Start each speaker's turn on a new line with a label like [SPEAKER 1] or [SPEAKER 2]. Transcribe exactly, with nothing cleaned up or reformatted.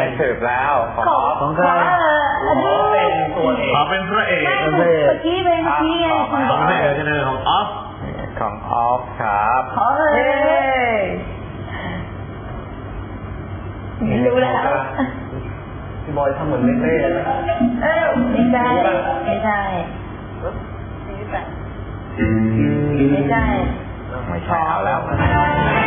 [SPEAKER 1] สืบแล้วของออฟ
[SPEAKER 2] ของใคร
[SPEAKER 1] อันนี้เป็นตัวเอก
[SPEAKER 3] ขอเป็นพระเอก
[SPEAKER 2] เมื่อกี้เป็นเมื่อกี้ไง
[SPEAKER 3] ของพระเอกจะเป็นของออฟ
[SPEAKER 1] ของออฟครับ
[SPEAKER 2] เฮ้ยไม่รู้แล้ว
[SPEAKER 1] พี่บอยทำเหมือนไม่เต้เลย
[SPEAKER 2] เอ้าไม่ใช่ไม่ใช่ไม่ใช่
[SPEAKER 1] ไม่ใช่เอาแล้ว